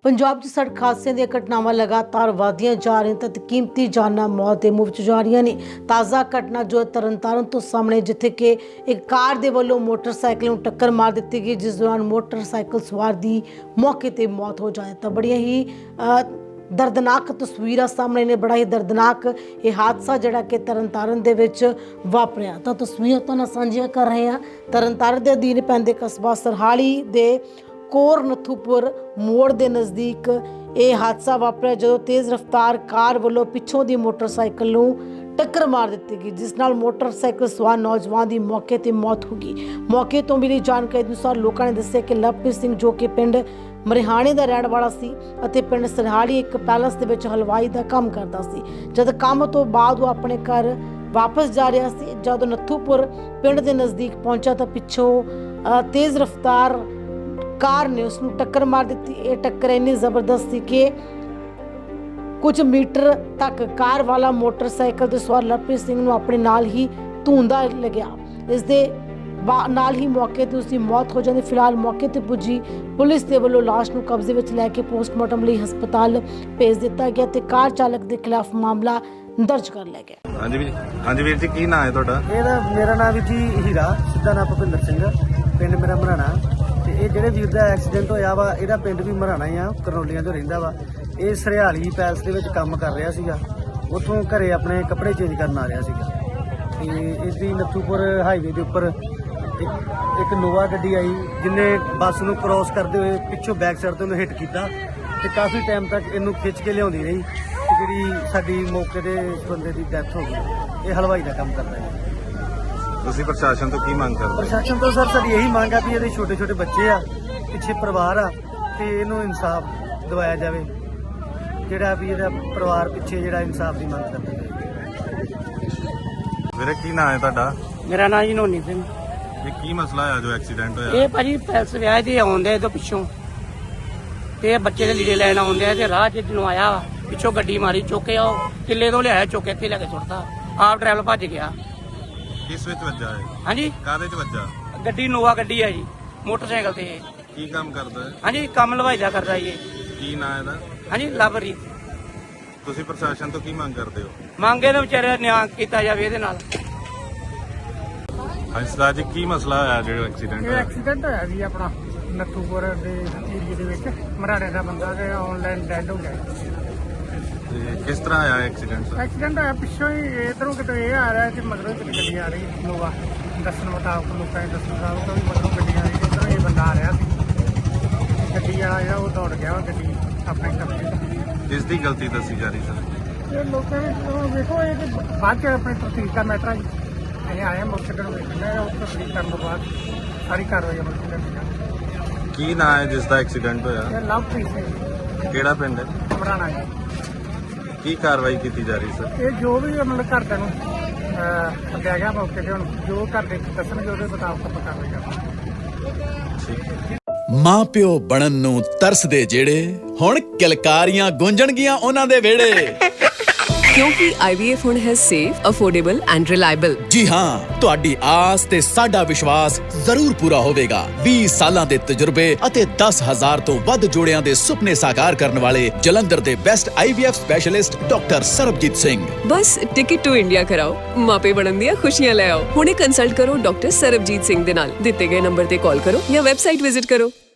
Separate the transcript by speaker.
Speaker 1: ਪੰਜਾਬ 'ਚ ਸੜਕ ਹਾਦਸਿਆਂ ਦੀਆਂ ਘਟਨਾਵਾਂ ਲਗਾਤਾਰ ਵਧਦੀਆਂ ਜਾ ਰਹੀਆਂ ਤੇ ਕੀਮਤੀ ਜਾਨਾਂ ਮੌਤ ਦੇ ਮੂੰਹ 'ਚ ਜਾ ਰਹੀਆਂ ਨੇ। ਤਾਜ਼ਾ ਘਟਨਾ ਜੋ ਤਰਨਤਾਰਨ ਤੋਂ ਸਾਹਮਣੇ, ਜਿੱਥੇ ਕਿ ਇੱਕ ਕਾਰ ਦੇ ਵੱਲੋਂ ਮੋਟਰਸਾਈਕਲ ਨੂੰ ਟੱਕਰ ਮਾਰ ਦਿੱਤੀ ਗਈ, ਜਿਸ ਦੌਰਾਨ ਮੋਟਰਸਾਈਕਲ ਸਵਾਰ ਦੀ ਮੌਕੇ ਤੇ ਮੌਤ ਹੋ ਜਾਏ। ਤਾਂ ਬੜੀਆਂ ਹੀ ਦਰਦਨਾਕ ਤਸਵੀਰਾਂ ਸਾਹਮਣੇ ਨੇ। ਬੜਾ ਹੀ ਦਰਦਨਾਕ ਇਹ ਹਾਦਸਾ ਜਿਹੜਾ ਕਿ ਤਰਨਤਾਰਨ ਦੇ ਵਿੱਚ ਵਾਪਰਿਆ। ਤਾਂ ਤਸਵੀਰਾਂ ਤੁਹਾਨੂੰ ਸਾਂਝੀਆਂ ਕਰ ਰਹੇ ਹਾਂ। ਤਰਨਤਾਰਨ ਦੇ ਅਧੀਨ ਪੈਂਦੇ ਕਸਬਾ ਸਰਹਾਲੀ ਦੇ ਕੋਰ ਨੱਥੂਪੁਰ ਮੋੜ ਦੇ ਨਜ਼ਦੀਕ ਇਹ ਹਾਦਸਾ ਵਾਪਰਿਆ, ਜਦੋਂ ਤੇਜ਼ ਰਫ਼ਤਾਰ ਕਾਰ ਵੱਲੋਂ ਪਿੱਛੋਂ ਦੀ ਮੋਟਰਸਾਈਕਲ ਨੂੰ ਟੱਕਰ ਮਾਰ ਦਿੱਤੀ ਗਈ, ਜਿਸ ਨਾਲ ਮੋਟਰਸਾਈਕਲ ਸਵਾਰ ਨੌਜਵਾਨ ਦੀ ਮੌਕੇ ਤੇ ਮੌਤ ਹੋ ਗਈ। ਮੌਕੇ ਤੋਂ ਮਿਲੀ ਜਾਣਕਾਰੀ ਅਨੁਸਾਰ ਲੋਕਾਂ ਨੇ ਦੱਸਿਆ ਕਿ ਲਵਪ੍ਰੀਤ ਸਿੰਘ, ਜੋ ਕਿ ਪਿੰਡ ਮਰਿਹਾਣੇ ਦਾ ਰਹਿਣ ਵਾਲਾ ਸੀ ਅਤੇ ਪਿੰਡ ਸਰਹਾਲੀ ਇੱਕ ਪੈਲਸ ਦੇ ਵਿੱਚ ਹਲਵਾਈ ਦਾ ਕੰਮ ਕਰਦਾ ਸੀ। ਜਦ ਕੰਮ ਤੋਂ ਬਾਅਦ ਉਹ ਆਪਣੇ ਘਰ ਵਾਪਸ ਜਾ ਰਿਹਾ ਸੀ, ਜਦੋਂ ਨੱਥੂਪੁਰ ਪਿੰਡ ਦੇ ਨਜ਼ਦੀਕ ਪਹੁੰਚਾ ਤਾਂ ਪਿੱਛੋਂ ਤੇਜ਼ ਰਫ਼ਤਾਰ ਕਾਰ ਨੇ ਉਸ ਨੂੰ ਟੱਕਰ ਮਾਰ ਦਿੱਤੀ। ਇਹ ਟੱਕਰ ਇੰਨੀ ਜ਼ਬਰਦਸਤ ਸੀ ਕਿ ਕੁਝ ਮੀਟਰ ਤੱਕ ਕਾਰ ਵਾਲਾ ਮੋਟਰਸਾਈਕਲ ਤੇ ਸਵਾਰ ਲਵਪ੍ਰੀਤ ਸਿੰਘ ਨੂੰ ਆਪਣੇ ਨਾਲ ਹੀ ਧੂੰਦਾ ਲੱਗਿਆ। ਇਸ ਦੇ ਨਾਲ ਹੀ ਮੌਕੇ ਤੇ ਉਸ ਦੀ ਮੌਤ ਹੋ ਜਾਂਦੀ। ਫਿਲਹਾਲ ਮੌਕੇ ਤੇ ਪੁੱਜੀ ਪੁਲਿਸ ਦੇ ਵੱਲੋਂ ਲਾਸ਼ ਨੂੰ ਕਬਜ਼ੇ ਵਿੱਚ ਲੈ ਕੇ ਪੋਸਟਮਾਰਟਮ ਲਈ ਹਸਪਤਾਲ ਭੇਜ ਦਿੱਤਾ ਗਿਆ ਤੇ ਕਾਰ ਚਾਲਕ ਦੇ ਖਿਲਾਫ ਮਾਮਲਾ ਦਰਜ ਕਰ ਲਿਆ ਗਿਆ।
Speaker 2: ਹਾਂਜੀ ਵੀਰ ਜੀ, ਕੀ ਨਾਮ ਹੈ ਤੁਹਾਡਾ?
Speaker 3: ਮੇਰਾ ਨਾਮ ਵੀ ਜੀ ਹੀਰਾ, ਸਿੱਧਾ ਨਾਮ ਭੁਪਿੰਦਰ ਸਿੰਘ, ਪਿੰਡ ਮੇਰਾ ਮਰਾਣਾ। ਤੇ ਇਹ ਜਿਹੜੇ ਵੀਰ ਦਾ ਐਕਸੀਡੈਂਟ ਹੋਇਆ ਵਾ, ਇਹਦਾ ਪਿੰਡ ਵੀ ਮਰਾਣਾ ਹੀ ਆ, ਕਰਨੋਲੀਆਂ ਤੋਂ ਰਹਿੰਦਾ ਵਾ। ਇਹ ਸਰਹਾਲੀ ਪੈਲਸ ਦੇ ਵਿੱਚ ਕੰਮ ਕਰ ਰਿਹਾ ਸੀਗਾ, ਉੱਥੋਂ ਘਰੇ ਆਪਣੇ ਕੱਪੜੇ ਚੇਂਜ ਕਰਨ ਆ ਰਿਹਾ ਸੀਗਾ। ਤੇ ਇਸਦੀ ਨੱਥੂਪੁਰ ਹਾਈਵੇ ਦੇ ਉੱਪਰ ਇੱਕ ਨੋਵਾ ਗੱਡੀ ਆਈ, ਜਿਹਨੇ ਬੱਸ ਨੂੰ ਕ੍ਰੋਸ ਕਰਦੇ ਹੋਏ ਪਿੱਛੋਂ ਬੈਕ ਸਾਈਡ ਤੋਂ ਉਹਨੂੰ ਹਿੱਟ ਕੀਤਾ ਤੇ ਕਾਫੀ ਟਾਈਮ ਤੱਕ ਇਹਨੂੰ ਖਿੱਚ ਕੇ ਲਿਆਉਂਦੀ ਰਹੀ ਤੇ ਜਿਹੜੀ ਸਾਡੀ ਮੌਕੇ ਤੇ ਬੰਦੇ ਦੀ ਡੈਥ ਹੋ ਗਈ। ਇਹ ਹਲਵਾਈ ਦਾ ਕੰਮ ਕਰਦਾ ਹੈ।
Speaker 2: ਤੁਸੀਂ ਪ੍ਰਸ਼ਾਸਨ ਤੋਂ ਕੀ ਮੰਗ ਕਰਦੇ?
Speaker 3: ਪ੍ਰਸ਼ਾਸਨ ਤੋਂ ਸਰ ਸਾਡੀ ਇਹੀ ਮੰਗ ਆ ਵੀ ਇਹਦੇ ਛੋਟੇ ਛੋਟੇ ਬੱਚੇ ਆ, ਪਿੱਛੇ ਪਰਿਵਾਰ ਆ, ਤੇ ਇਹਨੂੰ ਇਨਸਾਫ ਦਿਵਾਇਆ ਜਾਵੇ। ਜਿਹੜਾ ਵੀ ਇਹਦਾ ਪਰਿਵਾਰ ਪਿੱਛੇ ਜਿਹੜਾ ਇਨਸਾਫ ਦੀ ਮੰਗ ਕਰਦਾ ਹੈ।
Speaker 2: ਵੀਰੇ, ਕੀ ਨਾਮ ਹੈ ਤੁਹਾਡਾ?
Speaker 4: ਮੇਰਾ ਨਾਂ ਜੀ ਨੋਨੀ ਸਿੰਘ।
Speaker 2: ਇਹ ਕੀ ਮਸਲਾ ਹੋਇਆ ਜੋ ਐਕਸੀਡੈਂਟ ਹੋਇਆ?
Speaker 4: ਇਹ ਭਾਜੀ ਪੈਲਸ ਵਿਆਹ ਤੇ ਆਉਂਦੇ ਤੋਂ ਪਿੱਛੋਂ, ਤੇ ਬੱਚੇ ਦੇ ਲੀੜੇ ਲੈਣ ਆਉਂਦੇ ਆ ਤੇ ਰਾਹ 'ਚ ਜਦੋਂ ਆਇਆ ਪਿੱਛੋਂ ਗੱਡੀ ਮਾਰੀ, ਚੁੱਕੇ ਉਹ ਕਿੱਲੇ ਤੋਂ ਲਿਆਇਆ, ਚੁੱਕ ਕੇ ਇੱਥੇ ਲੈ ਕੇ ਸੁੱਟਤਾ। ਆਪ ਡਰਾਈਵਰ ਭੱਜ ਗਿਆ।
Speaker 2: ਕਿਸ ਵਿੱਚ ਵੱਜਾ ਹੈ?
Speaker 4: ਹਾਂਜੀ,
Speaker 2: ਕਾਹਦੇ 'ਚ ਵੱਜਾ?
Speaker 4: ਗੱਡੀ ਨੋਵਾ ਗੱਡੀ ਹੈ ਜੀ, ਮੋਟਰਸਾਈਕਲ ਤੇ।
Speaker 2: ਕੀ ਕੰਮ ਕਰਦਾ ਹੈ?
Speaker 4: ਹਾਂਜੀ, ਕੰਮ ਹਲਵਾਈ ਦਾ ਕਰਦਾ ਜੀ।
Speaker 2: ਕੀ ਨਾਮ ਇਹਦਾ?
Speaker 4: ਹਾਂਜੀ, ਲਵਰੀ।
Speaker 2: ਤੁਸੀਂ ਪ੍ਰਸ਼ਾਸਨ ਤੋਂ ਕੀ ਮੰਗ ਕਰਦੇ ਹੋ?
Speaker 4: ਮੰਗੇ ਨੇ ਵਿਚਾਰੇ ਨਿਆਂ ਕੀਤਾ ਜਾਵੇ ਇਹਦੇ ਨਾਲ।
Speaker 2: ਹਾਂਜੀ ਸਰਦਾਰ ਜੀ, ਕੀ ਮਸਲਾ ਹੋਇਆ ਜਿਹੜਾ ਐਕਸੀਡੈਂਟ ਹੋਇਆ?
Speaker 5: ਐਕਸੀਡੈਂਟ ਹੋਇਆ ਜੀ ਆਪਣਾ ਨੱਥੂਪੁਰ ਦੇ ਏਰੀਏ ਦੇ ਵਿੱਚ। ਮਰਾੜੇ ਦਾ ਬੰਦਾ ਤੇ ਆਨਲਾਈਨ ਡੈਡ ਹੋ ਗਿਆ।
Speaker 2: ਤੇ ਕਿਸ ਤਰ੍ਹਾਂ ਆਇਆ ਐਕਸੀਡੈਂਟ?
Speaker 5: ਐਕਸੀਡੈਂਟ ਹੋਇਆ ਪਿੱਛੋਂ ਹੀ, ਇਧਰੋਂ ਕਿਤੇ ਇਹ ਆ ਰਿਹਾ ਤੇ ਮਗਰੋਂ ਕਿਤੇ ਗੱਡੀ ਆ ਰਹੀ ਨੋਵਾ। ਦੱਸਣ ਮੁਤਾਬਕ ਲੋਕਾਂ ਦੇ ਦੱਸਣ ਮੁਤਾਬਕ ਵੀ ਮਗਰੋਂ ਗੱਡੀ ਆ ਰਹੀ ਤੇ ਇੱਧਰੋਂ ਇਹ ਬੰਦਾ ਆ ਰਿਹਾ ਸੀ। ਗੱਡੀ ਵਾਲਾ ਜਿਹੜਾ ਉਹ ਦੌੜ ਗਿਆ, ਉਹ ਗੱਡੀ ਆਪਣੇ ਕਬਜ਼ੇ।
Speaker 2: ਕਿਸ ਦੀ ਗਲਤੀ ਦੱਸੀ ਜਾ ਰਹੀ ਸਰ?
Speaker 5: ਇਹ ਲੋਕਾਂ ਨੇ ਵੇਖੋ, ਇਹ ਤੇ ਬਾਅਦ ਚ ਆਪਣੇ ਤਸਦੀਕ ਦਾ ਮੈਟਰ ਹੈ। ਅਸੀਂ ਆਏ ਮੌਕੇ ਤੇ ਵੇਖਣਾ, ਉਹ ਤਸਦੀਕ ਕਰਨ ਤੋਂ ਬਾਅਦ ਸਾਰੀ ਕਾਰਵਾਈ ਅਮਲ ਚ ਲਿਆਂਦੀ ਜਾਵੇਗੀ।
Speaker 2: ਕੀ ਨਾਮ ਹੈ ਜਿਸ ਦਾ ਐਕਸੀਡੈਂਟ ਹੋਇਆ?
Speaker 5: ਇਹ ਲਵਪ੍ਰੀਤ ਸਿੰਘ,
Speaker 2: ਕਿਹੜਾ ਪਿੰਡ ਹੈ?
Speaker 5: ਮਰਾਣਾ ਜੀ।
Speaker 2: ਕੀ ਕਾਰਵਾਈ ਕੀਤੀ ਜਾ ਰਹੀ ਸਰ?
Speaker 5: ਇਹ ਜੋ ਵੀ ਮਤਲਬ ਘਰਦਿਆਂ ਨੂੰ ਸੱਦਿਆ ਗਿਆ ਮੌਕੇ ਤੇ, ਹੁਣ ਜੋ ਘਰ ਦੇ ਦੱਸਣਗੇ ਉਹਦੇ ਮੁਤਾਬਕ ਆਪਾਂ ਕਾਰਵਾਈ ਕਰਾਂਗੇ।
Speaker 2: ਠੀਕ।
Speaker 6: ਮਾਂ ਪਿਓ ਬਣਨ ਨੂੰ ਤਰਸਦੇ ਜਿਹੜੇ, ਹੁਣ ਕਿਲਕਾਰੀਆਂ ਗੂੰਜਣਗੀਆਂ ਉਹਨਾਂ ਦੇ ਵਿਹੜੇ।
Speaker 7: ਕਿਉਂਕਿ IVF ਹੁਣ ਹੈ ਸੇਫ, ਅਫੋਰਡੇਬਲ ਐਂਡ ਰਿਲਾਇਬਲ।
Speaker 6: ਜੀ ਹਾਂ, ਤੁਹਾਡੀ ਆਸ ਤੇ ਸਾਡਾ ਵਿਸ਼ਵਾਸ ਜ਼ਰੂਰ ਪੂਰਾ ਹੋਵੇਗਾ। 20 ਸਾਲਾਂ ਦੇ ਤਜਰਬੇ ਅਤੇ 10,000 ਤੋਂ ਵੱਧ ਜੋੜਿਆਂ ਦੇ ਸੁਪਨੇ ਸਾਕਾਰ ਕਰਨ ਵਾਲੇ ਜਲੰਧਰ ਦੇ best IVF specialist doctor Sarabjit Singh.
Speaker 7: ਬਸ ਟਿਕਟ ਟੂ ਇੰਡੀਆ ਕਰਾਓ, ਮਾਪੇ ਬਣਨ ਦੀਆਂ ਖੁਸ਼ੀਆਂ ਲੈ ਆਓ। ਹੁਣੇ ਕੰਸਲਟ ਕਰੋ ਡਾਕਟਰ ਸਰਬਜੀਤ ਸਿੰਘ ਦੇ ਨਾਲ। ਦਿੱਤੇ ਗਏ ਨੰਬਰ ਤੇ ਕਾਲ ਕਰੋ ਜਾਂ ਵੈਬਸਾਈਟ ਵਿਜ਼ਿਟ ਕਰੋ।